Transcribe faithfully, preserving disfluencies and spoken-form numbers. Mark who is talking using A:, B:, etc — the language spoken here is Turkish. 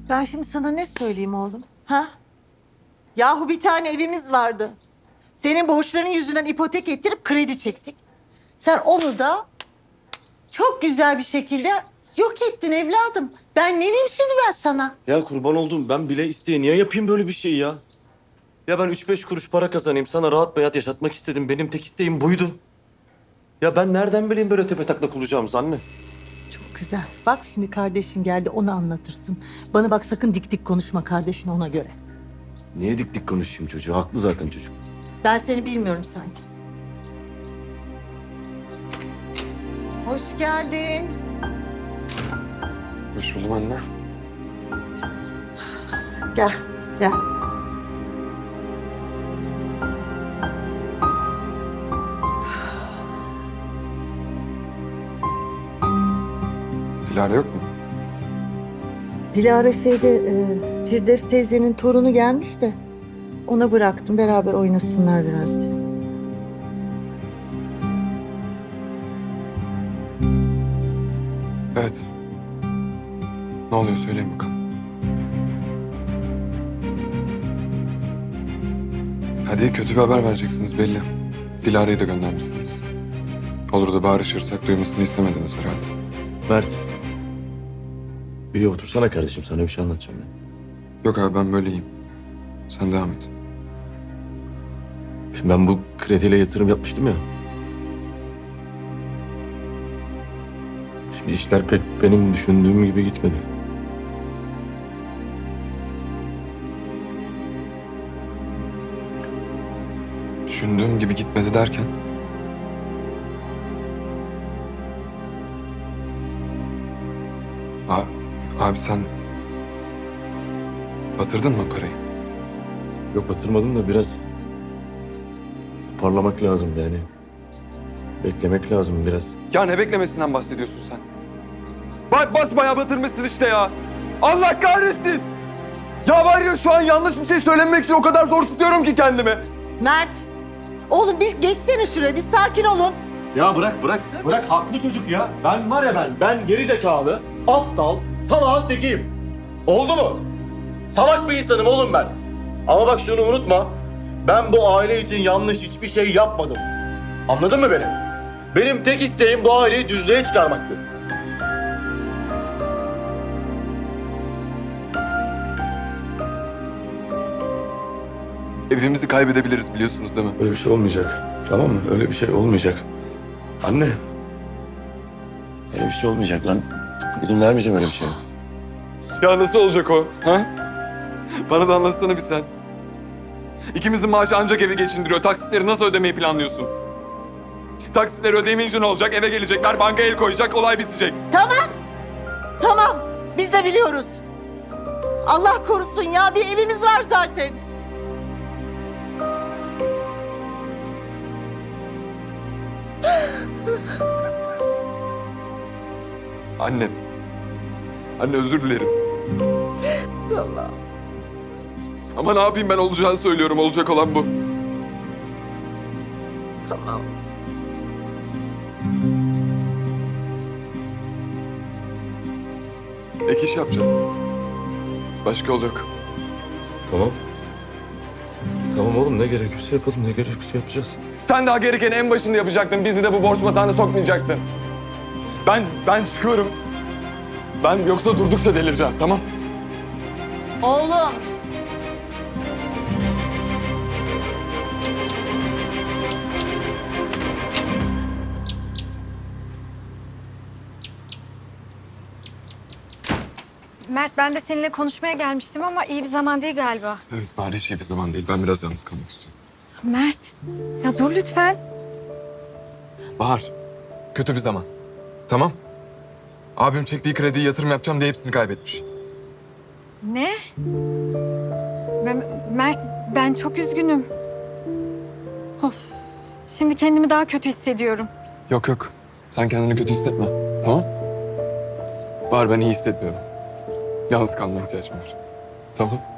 A: Ben şimdi sana ne söyleyeyim oğlum? Ha? Yahu bir tane evimiz vardı. Senin borçların yüzünden ipotek ettirip kredi çektik. Sen onu da çok güzel bir şekilde yok ettin evladım. Ben ne diyeyim şimdi ben sana?
B: Ya kurban oldum, ben bile isteye niye yapayım böyle bir şey ya? Ya ben üç beş kuruş para kazanayım, sana rahat bir hayat yaşatmak istedim. Benim tek isteğim buydu. Ya ben nereden bileyim böyle tepetaklak olacağımızı anne?
A: Çok güzel. Bak şimdi kardeşin geldi, onu anlatırsın. Bana bak, sakın dik dik konuşma kardeşine, ona göre.
B: Niye dik dik konuşayım çocuğu? Haklı zaten çocuk.
A: Ben seni bilmiyorum sanki. Hoş geldin.
C: Hoş buldum anne.
A: Gel, gel.
C: Dilara yok mu?
A: Dilara şeyde, e, Firdevs teyzenin torunu gelmiş de ona bıraktım, beraber oynasınlar biraz diye.
C: Evet. Ne oluyor söyleyin bakalım. Hadi kötü bir haber vereceksiniz belli. Dilara'yı da göndermişsiniz. Olur da bağırışırsak duymasını istemediniz herhalde.
B: Mert. Bir otursana kardeşim, sana bir şey anlatacağım ben.
C: Yok abi ben böyleyim. Sen devam et.
B: Şimdi ben bu krediyle yatırım yapmıştım ya. Şimdi işler pek benim düşündüğüm gibi gitmedi.
C: Düşündüğüm gibi gitmedi derken. Abi, abi sen batırdın mı parayı?
B: Yok batırmadım da biraz parlamak lazım yani. Beklemek lazım biraz.
C: Ya ne beklemesinden bahsediyorsun sen? Bak basbayağı batırmışsın işte ya. Allah kahretsin. Ya var ya şu an yanlış bir şey söylemek için o kadar zor tutuyorum ki kendimi.
A: Mert, oğlum bir geçsene şuraya, bir sakin olun.
B: Ya bırak bırak. Bırak haklı çocuk ya. Ben var ya ben. Ben geri zekalı, aptal, salağın tekiyim. Oldu mu? Salak bir insanım oğlum ben. Ama bak şunu unutma. Ben bu aile için yanlış hiçbir şey yapmadım. Anladın mı beni? Benim tek isteğim bu aileyi düzlüğe çıkarmaktı.
C: Evimizi kaybedebiliriz biliyorsunuz değil mi?
B: Öyle bir şey olmayacak. Tamam mı? Öyle bir şey olmayacak. Anne. Öyle bir şey olmayacak lan. İzin vermeyeceğim öyle bir şeye.
C: Ya nasıl olacak o? Ha? Bana da anlatsana bir sen. İkimizin maaşı ancak evi geçindiriyor. Taksitleri nasıl ödemeyi planlıyorsun? Taksitleri ödeyemeyince ne olacak? Eve gelecekler, banka el koyacak, olay bitecek.
A: Tamam, tamam. Biz de biliyoruz. Allah korusun ya, bir evimiz var zaten.
C: Anne. Anne özür dilerim.
A: Tamam.
C: Ama ne yapayım ben olacağını söylüyorum. Olacak olan bu.
A: Tamam.
C: Ek iş yapacağız. Başka yol yok.
B: Tamam. Tamam oğlum, ne gerekiyorsa yapalım, ne gerekiyorsa yapacağız.
C: Sen daha gerekeni en başında yapacaktın. Bizi de bu borç batağına sokmayacaktın. Ben, ben çıkıyorum. Ben yoksa durdukça delireceğim, tamam?
A: Oğlum.
D: Mert, ben de seninle konuşmaya gelmiştim ama iyi bir zaman değil galiba.
C: Evet, bari hiç iyi bir zaman değil. Ben biraz yalnız kalmak istiyorum.
D: Mert, ya dur lütfen.
C: Bahar, kötü bir zaman. Tamam. Abim çektiği krediyi yatırım yapacağım diye hepsini kaybetmiş.
D: Ne? Ben, Mert, ben çok üzgünüm. Of, şimdi kendimi daha kötü hissediyorum.
C: Yok yok, sen kendini kötü hissetme. Tamam? Bahar ben iyi hissetmiyorum. Yalnız kalmaya ihtiyacım var.
B: Tamam.